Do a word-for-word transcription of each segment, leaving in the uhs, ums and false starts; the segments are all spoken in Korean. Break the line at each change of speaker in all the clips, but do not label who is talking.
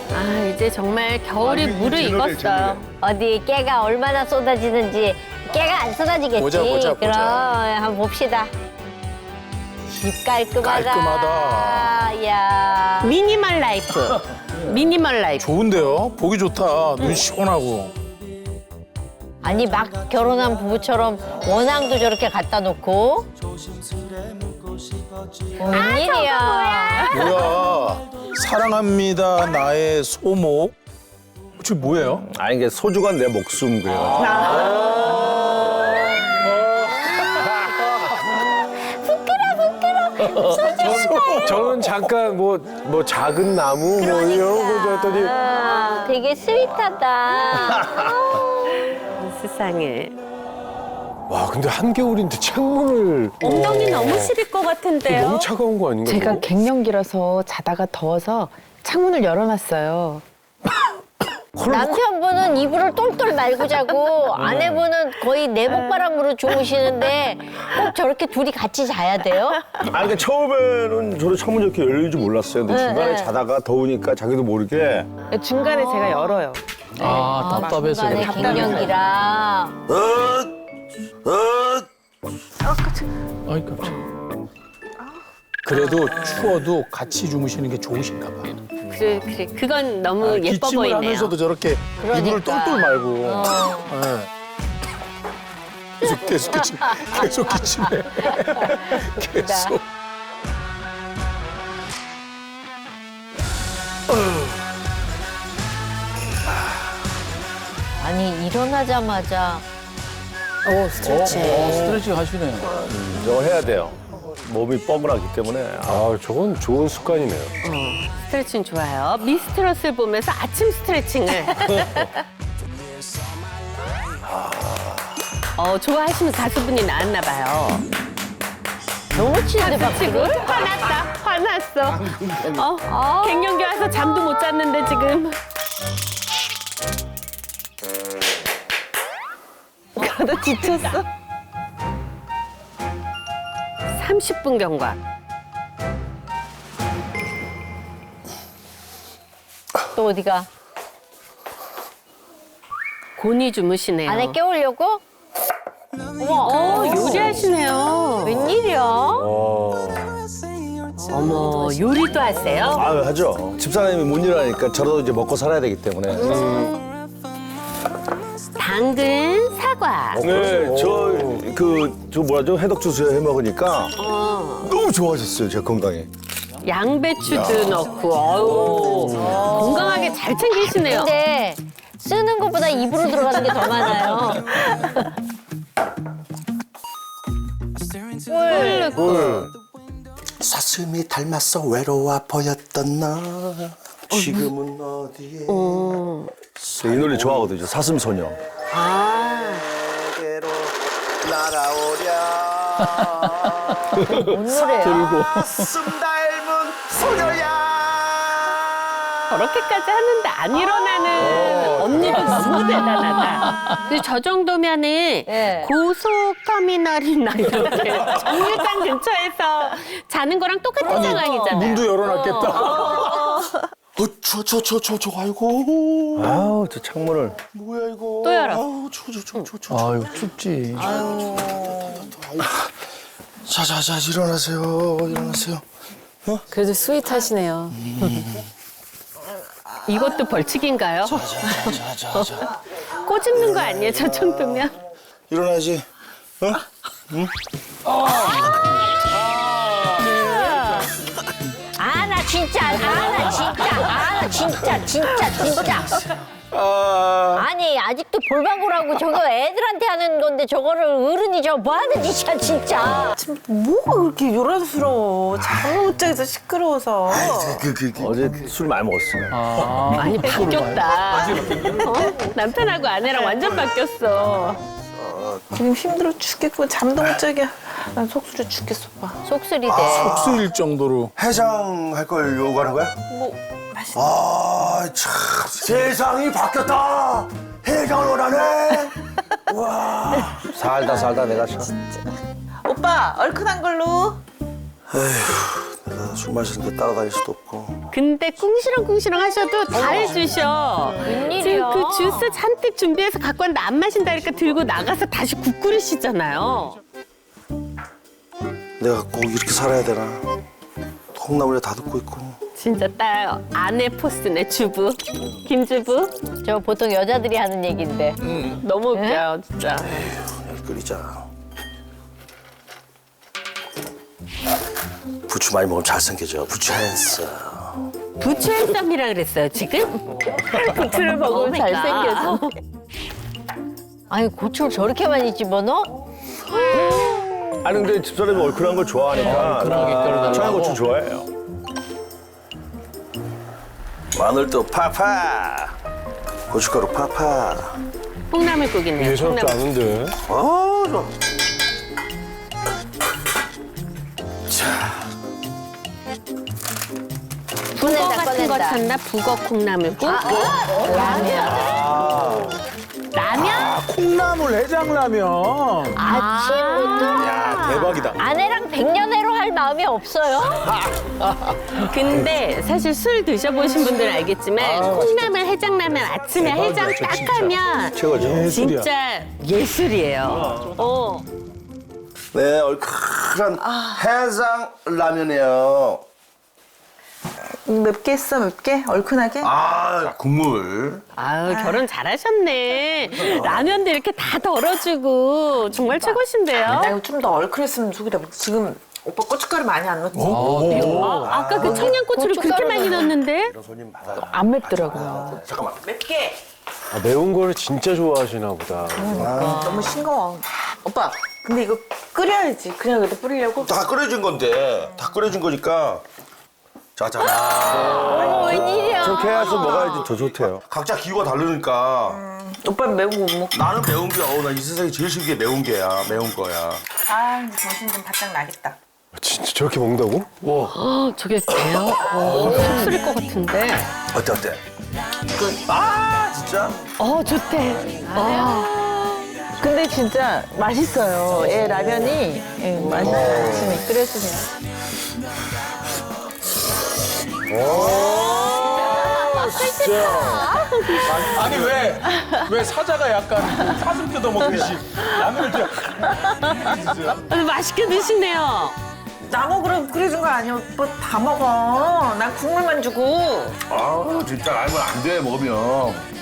아, 이제 정말 겨울이 무르익었어요.
어디 깨가 얼마나 쏟아지는지. 깨가 안 쏟아지겠지.
보자, 보자,
그럼
보자.
한번 봅시다. 집 깔끔하다.
깔끔하다.
야.
미니멀 라이프. 미니멀 라이프.
좋은데요? 보기 좋다. 눈 시원하고.
아니 막 결혼한 부부처럼 원앙도 저렇게 갖다 놓고. 웬일이야.
뭐야? 사랑합니다 나의 소목. 저 뭐예요?
아 이게 소주가 내 목숨 그래요.
저는 잠깐 뭐, 뭐 작은 나무 뭐 이런 거 줬더니
아, 되게 스윗하다.
세상에.
와 근데 한겨울인데 창문을
엉덩이 너무 시릴 것 같은데요.
너무 차가운 거 아닌가?
제가
그거?
갱년기라서 자다가 더워서 창문을 열어놨어요.
남편분은 이불을 똘똘 말고 자고 아내분은 거의 내복바람으로 주무시는데 꼭 저렇게 둘이 같이 자야 돼요?
아 그러니까 처음에는 저도 창문 이렇게 열릴 줄 몰랐어요. 근데
네,
중간에
네.
자다가 더우니까 자기도 모르게
중간에 제가 열어요.
아 답답해서.
중간에 갱년기라.
아이 깜짝. 그래도 추워도 같이 주무시는 게 좋으신가 봐.
그래, 그래. 그건 너무
아,
예뻐
기침을
보이네요.
하면서도 저렇게
그러니까.
이불을 똘똘 말고.
어.
네. 계속 계속 기침. 계속 기침해. 계속.
아니 일어나자마자
오 스트레칭. 어, 스트레칭 하시네요.
저거 해야 돼요. 몸이 뻐근하기 때문에. 아,
아 저건 좋은 습관이네요.
스트레칭 좋아요. 미스트롯을 보면서 아침 스트레칭을. 어, 좋아하시는 가수분이 나왔나 봐요.
너무 치는데
지금
박수를?
화났다. 화났어. 어, 갱년기 와서 잠도 못 잤는데 지금.
나 지쳤어.
삼십 분 경과.
또 어디가?
곤히 주무시네요.
안에 깨우려고? 어머,
어, 요리하시네요.
웬일이야?
어머, 요리도 하세요?
아 하죠. 집사람이 못 일하니까 저라도 이제 먹고 살아야 되기 때문에.
당근, 사과.
네, 저 그 저 뭐라죠 해독 주스 해 먹으니까 너무 좋아졌어요 제 건강에.
양배추도 넣고, 어유 건강하게 잘 챙기시네요.
근데 쓰는 것보다 입으로 들어가는 게 더 많아요.
사슴이 닮았어 외로워 보였던 나 지금은 어디에
이 노래 좋아하거든요. 사슴소녀.
내게로 날아오랴
뭔 노래야?
사슴 닮은 소녀야
저렇게까지 하는데 안 일어나는 언니도 너무 대단하다. 근데 저 정도면은
네.
고속터미널이나 이렇게 정류장 근처에서 자는 거랑 똑같은 상황이잖아요.
문도 열어놨겠다.
어, 추워 추워 추워 추워 추워 아이고
아우 저 창문을.
뭐야 이거
또 열어.
아우 추워 추워 추워 추워
아유 춥지.
자자자 일어나세요 일어나세요
그래도 스윗하시네요.
이것도 벌칙인가요?
자자자
꼬집는 거 아니에요, 저 정도면?
일어나지 어?
아, 나 진짜, 아, 나 진짜, 아, 나 진짜, 진짜, 진짜.
아
아니, 아직도 볼방구라고 저거 애들한테 하는 건데 저거를 어른이 저 뭐 하는 짓이야, 진짜.
뭐가 그렇게 요란스러워. 잠을 못 자겠어, 시끄러워서.
그, 그, 그.
어제 술 많이 먹었어요.
아,
많이 바뀌었다. 어? 남편하고 아내랑 완전 바뀌었어.
지금 힘들어 죽겠고 잠도 못 자게. 난 속쓰려 죽겠어, 오빠.
속쓰리대.
속쓰릴 정도로.
해장할 걸 요구하는 거야?
뭐 맛있는
아, 참. 세상이 바뀌었다. 해장을 원하네. 와.
살다 살다 내가 참.
오빠 얼큰한 걸로.
내가 술 마시는 게 따라다닐 수도 없고.
근데 꿍시렁꿍시렁 하셔도 다 해주셔.
웬일이야.
지금 그 주스 잔뜩 준비해서 갖고 왔는데 안 마신다니까 들고 나가서 다시 국 끓이시잖아요.
내가 꼭 이렇게 살아야 되나. 콩나물에 다 듣고 있고.
진짜 딸 아내 포스네 주부. 김주부.
저 보통 여자들이 하는 얘기인데.
너무 웃겨요 진짜.
여기 끓이자. 부추 많이 먹으면 잘생겨져. 부추 했어.
부추 햇쌈이라 그랬어요 지금? 부추를 먹으면 잘생겨서.
아니 고추를 저렇게 많이 집어넣어?
아니 근데 집사람이 얼큰한 걸 좋아하니까
얼큰하게 끓여달라고.
청양고추 좋아해요.
마늘도 파파. 고춧가루 파파.
콩나물국이네요.
예사롭지
콩나물.
않은데.
아 좋아. 자,
북어
꺼낸다,
같은 거
꺼낸다.
찾나? 북어 콩나물국? 라면?
아, 콩나물 해장라면.
아침부터
야 대박이다.
아내랑 백년해로 할 마음이 없어요?
근데 사실 술 드셔보신 분들은 알겠지만 콩나물 해장라면 아침에 해장 딱 하면
최고죠.
진짜 예술이에요. 어.
네 얼큰한 해장 라면이에요.
맵게 했어 맵게 얼큰하게.
아 국물.
아유 결혼 잘하셨네. 라면도 이렇게 다 덜어주고 정말 최고신데요.
나 이거 좀 더 얼큰했으면 좋겠다. 지금 오빠 고춧가루 많이 안 넣었지?
아, 아까 그 청양고추를 그렇게
고춧가루
많이 넣었는데
이런 손님 받아요.
안 맵더라고요.
잠깐만.
맵게.
아, 매운 거를 진짜 좋아하시나 보다.
너무 싱거워. 오빠 근데 이거 끓여야지. 그냥 여기다 뿌리려고?
다 끓여진 건데 다 끓여진 거니까. 자자.
어머 웬일이야.
저렇게 해서 먹어야지 더 좋대요.
각자 기호가 다르니까.
오빠 매운 거 못 먹고.
나는 매운 게, 어우, 나 이 세상에 제일 싫은 게 매운 게야. 매운 거야.
아 이제 정신 좀 바짝 나겠다.
진짜 저렇게 먹는다고? 와.
어, 저게 돼요? 어, 흡수릴 것 같은데.
어때, 어때? 아, 진짜?
어 좋대.
근데 진짜 맛있어요. 예 라면이 예, 맛있어요. 아침에 끓여주세요.
아니 왜? 왜 사자가 약간 사슴 뜯어 먹듯이 라면을 좀.
아, 맛있게 드시네요.
나 먹으라고 끓여준 거 아니야. 오빠 다 먹어. 난 국물만 주고.
아, 진짜 알면 안 돼, 먹으면.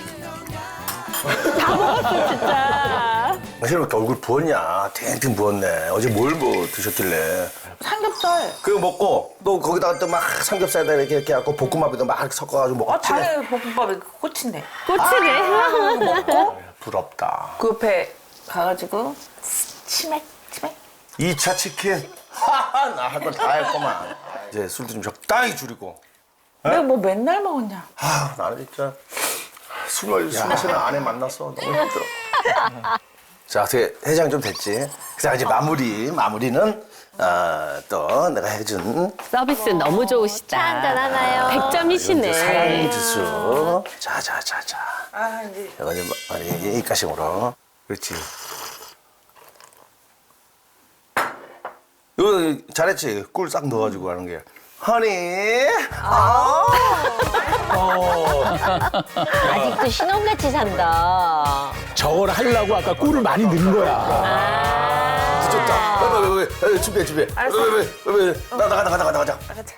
진짜.
사실 왜 이렇게 얼굴 부었냐? 탱탱 부었네. 어제 뭘 뭐 드셨길래.
삼겹살.
그거 먹고, 또 거기다가 또 막 삼겹살에다 이렇게 이렇게 하고 볶음밥에도 막 이렇게 섞어가지고 먹고.
아 당연히 볶음밥이 꽃인데.
꽃이네.
부럽다.
그 옆에 가가지고 치맥 치맥.
이 차 치킨. 하하, 나 할 건 다 했구만. 이제 술도 좀 적당히 줄이고.
내가 뭐 맨날 먹었냐.
아, 나는 진짜 술, 술 마시는 아내 만났어. 너무 힘들어. 자, 어떻게 해장 좀 됐지? 자, 이제 마무리. 마무리는 어, 또 내가 해준
서비스 너무 좋으시다.
차 한잔 하나요?
백 점이시네.
사랑 지수. 자, 자, 자, 자.
아 이제
이거 이제 많이 입가심으로. 그렇지. 이거 잘했지? 꿀 싹 넣어가지고 하는 게. 허니. 아.
아직도 신혼같이 산다.
저걸 하려고 아까 꿀을 많이 넣은 거야.
늦었다. 빨리, 빨리, 빨리, 준비해, 준비해.
알았어.
빨리, 빨리, 빨리, 빨리. 나, 나가, 나가, 나가, 나가자.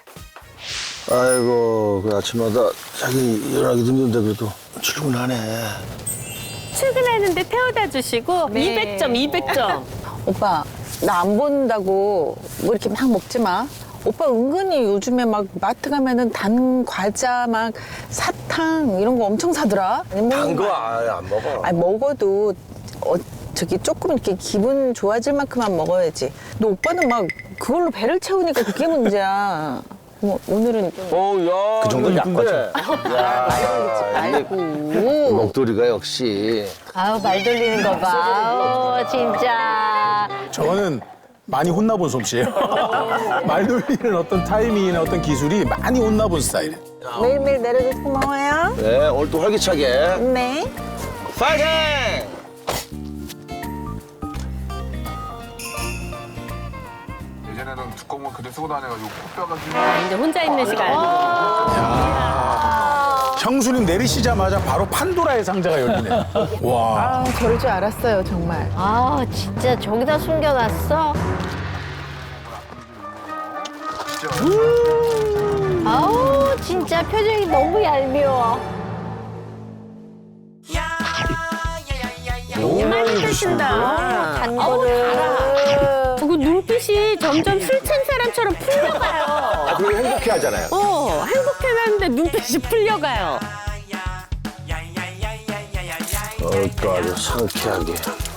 아이고, 그 아침마다 자기 일어나기 힘든데 그래도 출근하네.
출근하는데 태워다 주시고 이백 점, 이백 점.
오빠 나 안 본다고 뭐 이렇게 막 먹지 마. 오빠 은근히 요즘에 막 마트 가면은 단 과자 막 사탕 이런 거 엄청 사더라. 아니, 뭐
단 거
막-
아예 안 먹어.
아니 먹어도 어, 저기 조금 이렇게 기분 좋아질 만큼만 먹어야지. 너 오빠는 막 그걸로 배를 채우니까 그게 문제야. 뭐, 오늘은 좀
어, 야.
그 정도는 약과죠.
말고.
목도리가 역시.
아우 말 돌리는 거 봐. 아우 진짜.
저는 많이 혼나본 솜씨예요. 말 돌리는 어떤 타이밍이나 어떤 기술이 많이 혼나본 스타일이에요.
매일매일 내려줘서 고마워요.
네, 오늘 또 활기차게.
네.
파이팅!
예전에는 두꺼운 거 그대 쓰고 다녀가지고 코뼈가 좀.
아, 이제 혼자 있는 시간.
형수님 내리시자마자 바로 판도라의 상자가 열리네. 와.
아, 저럴 줄 알았어요, 정말.
아, 진짜 저기다 숨겨놨어? 아우, 진짜 표정이 너무 얄미워.
많이 드신다.
단 거를.
저거 눈빛이 점점 술 찬 사람처럼 풀려가요.
아, 그리고 행복해 하잖아요.
어, 행복해하는데 눈빛이 풀려가요.
그러니까 아주 상쾌하게.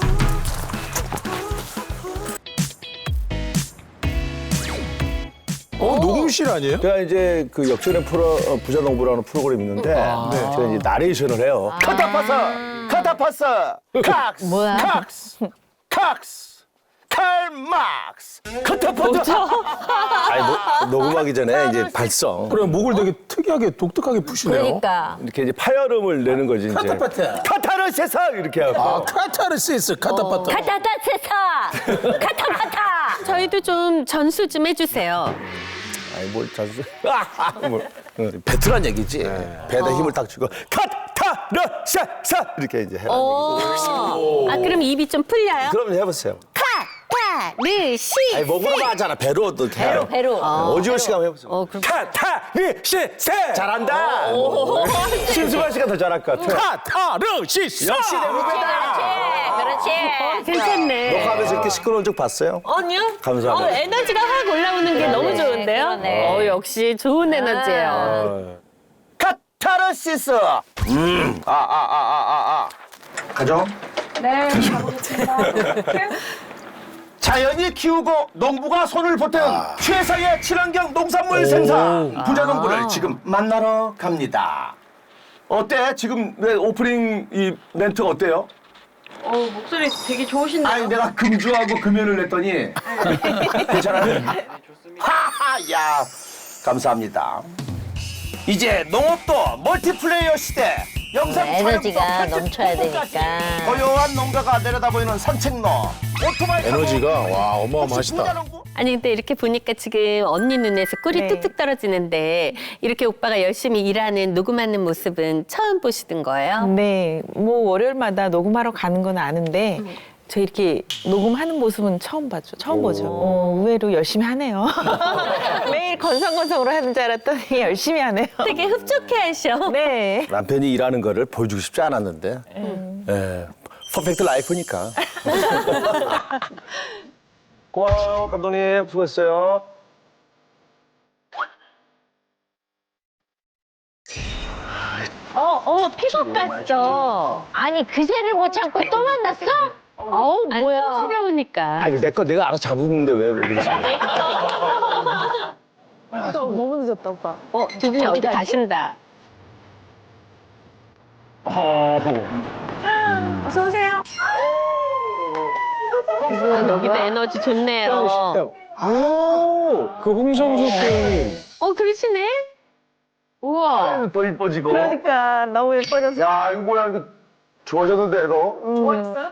어, 녹음실 아니에요?
제가 이제 그 역전의 프로 어, 부자농부라는 프로그램이 있는데 제가 이제 나레이션을 해요. 카타파사, 카타파사, 칵스,
뭐야?
칵스, 칵스, 칼막스, 카타파사. 아니 노- 녹음하기 전에 이제 발성.
그래, 목을 되게 특이하게 독특하게 푸시네요.
그러니까.
이렇게 이제 파열음을 내는 거지 이제.
카타파타.
카타르세사 이렇게 하고.
아, 카타르시스, 카타파타.
카타타세사! 카타파타!
저희도 좀 전수 좀 해주세요.
아니 뭘 자주. 뭐, 응, 배트란 얘기지. 배에다 힘을 딱 주고 카타르세사 이렇게 이제 해라.
아, 그럼 입이 좀 풀려요?
그럼 해보세요.
카타르시.
아니 목으로 하잖아. 배로 또 이렇게.
배로, 배로.
오지호 씨가 한번 해보세요.
어, 그럼
카타르시세 잘한다. 심수관 씨가 더 잘할 것 같아.
카타르시스.
역시 내
그렇지,
어,
그렇지.
괜찮네.
녹화하면서 이렇게 시끄러운 적 봤어요?
아니요?
감사합니다.
어, 에너지가 확 올라오는 게 너무 좋은데요?
그러네.
어, 역시 좋은 에너지예요.
카타르시스. 음. 아, 아, 아, 아, 아, 아. 가죠?
네, 가보겠습니다.
자연이 키우고 농부가 손을 보태는 최상의 친환경 농산물 생산 부자농부를 지금 만나러 갑니다. 어때? 지금 내 오프닝 이 멘트가 어때요?
어, 목소리 되게 좋으신데요?
아니 내가 금주하고 금연을 냈더니 괜찮아요? 하하 야 감사합니다. 이제 농업도 멀티플레이어 시대. 영상
에너지가
촬영도
넘쳐야
편집부까지.
되니까.
고요한 농가가 내려다보이는 산책로. 오토바이 타고
에너지가, 와,
혹시
어마어마하시다.
부자농부?
아니, 근데 이렇게 보니까 지금 언니 눈에서 꿀이
네.
뚝뚝 떨어지는데 이렇게 오빠가 열심히 일하는, 녹음하는 모습은 처음 보시던 거예요?
네, 뭐 월요일마다 녹음하러 가는 건 아는데 저 이렇게 녹음하는 모습은 처음 봤죠. 처음 보죠. 어, 의외로 열심히 하네요. 매일 건성건성으로 하는 줄 알았더니 열심히 하네요.
되게 흡족해 하셔.
네.
남편이 일하는 거를 보여주고 싶지 않았는데 예, 퍼펙트 라이프니까. 고마워요 감독님 수고했어요.
어, 어, 픽업 갔어.
아니, 그새를 못 참고 또 만났어? 어우, 뭐야.
시려우니까.
아니 내 거 내가 알아서 잡으는데 왜 그러지?
너무 늦었다, 오빠.
어, 두 분이 어디 가신다.
어서 오세요.
여기도 에너지 좋네요.
그 홍성수 씨.
어, 그러시네? 우와.
더 이뻐지고.
그러니까 너무 예뻐졌어.
야 이거 뭐야 이거 좋아졌는데 너?
좋아했어요?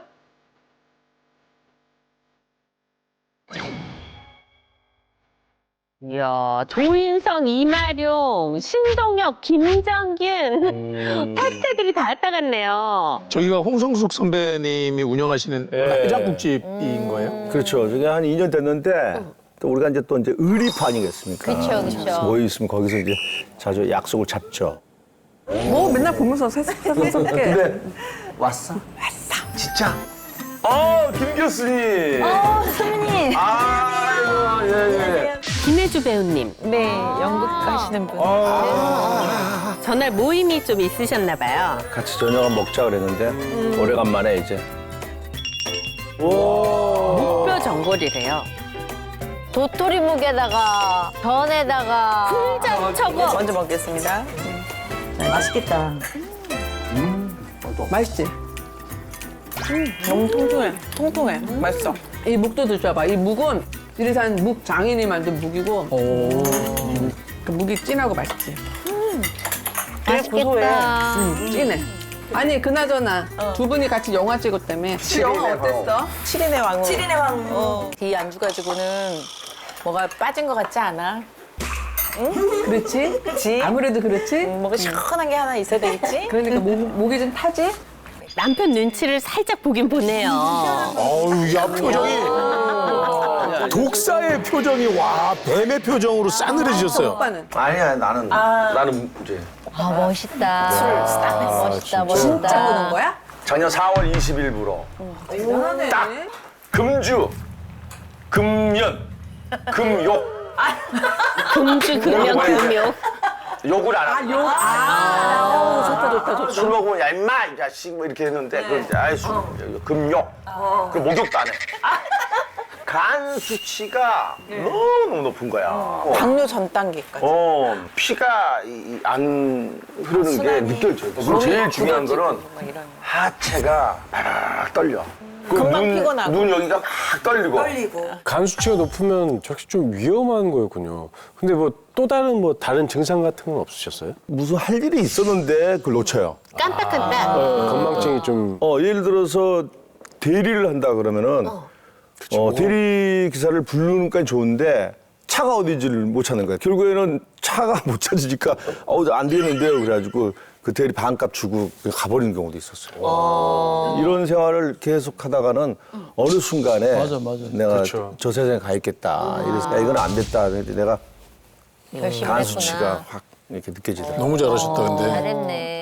이야, 조인성, 이마룡, 신동엽, 김정균. 탑스타들이 다 왔다 갔네요.
저기가 홍성숙 선배님이 운영하시는 해장국집인 거예요?
그렇죠. 저게 한 이 년 됐는데 또 우리가 이제 또 이제 의리파 아니겠습니까?
그쵸, 그쵸.
모여 있으면 거기서 이제 자주 약속을 잡죠.
뭐 맨날 보면서 새삼스럽게.
근데 왔어? 왔어. 진짜? 어, 김 교수님.
어, 선배님.
아이고, 예, 예.
김혜주 배우님.
네, 연극 가시는 분.
전날 모임이 좀 있으셨나 봐요.
같이 저녁을 먹자 그랬는데 오래간만에 이제.
뼈 전골이래요.
도토리 묵에다가, 전에다가.
장 저거.
먼저 먹겠습니다. 맛있겠다. 맛있지? 음, 너무 통통해. 통통해. 맛있어.
이 묵도 드셔봐. 이 묵은 지리산 묵 장인이 만든 묵이고 그 묵이 진하고 맛있지.
맛있겠다.
음, 진해. 아니 그나저나 두 분이 같이 영화 찍었다며. 영화 어땠어?
칠인의 왕후.
칠인의 왕후.
어, 이 안주 가지고는 뭐가 빠진 것 같지 않아?
그렇지?
그치?
아무래도 그렇지?
뭔가 시원한 게 하나 있어야 되겠지?
그러니까 목, 목이 좀 타지?
남편 눈치를 살짝 보긴 보네요.
어우, 야, 표정이. 독사의 표정이, 와, 뱀의 표정으로 싸늘해지셨어요.
오빠는?
아니야 나는 나는 이제
아 멋있다. 멋있다 멋있다.
진짜 보는 거야?
작년 사월 이십일부로
대단하네.
딱 금주, 금연, 금욕.
금주, 금연, 금욕.
욕을 안 하고.
욕. 아, 좋다, 좋다, 좋다.
술 먹으면 야 임마 이 자식 뭐 이렇게 했는데 그 아이 술 금욕. 그 목욕도 안 해. 간 수치가 너무 높은 거야.
당뇨 전 단계까지.
어 피가 이- 이 안 흐르는 게 느껴져요. 그리고 제일 중요한 거는 하체가 바락 떨려. 그
금방
눈,
피곤하고.
눈 여기가 막 떨리고.
간 수치가 높으면 확실히 좀 위험한 거였군요. 근데 뭐 또 다른 뭐 다른 증상 같은 건 없으셨어요?
무슨 할 일이 있었는데 그걸 놓쳐요.
깜빡깜빡.
건망증이 좀
어, 예를 들어서 대리를 한다 그러면은 어, 대리 기사를 부르는 건 좋은데 차가 어디지를 못 찾는 거야. 결국에는 차가 못 찾으니까 어, 안 되는데요. 그래가지고 그 대리 반값 주고 그냥 가버리는 경우도 있었어요. 이런 생활을 계속 하다가는 어느 순간에
맞아, 맞아.
내가
그렇죠.
저 세상에 가 있겠다. 이래서 야, 이건 안 됐다. 그랬더니 내가
열심히
간
했구나.
수치가 확 이렇게 느껴지더라고요.
너무 잘하셨다, 근데.
잘했네.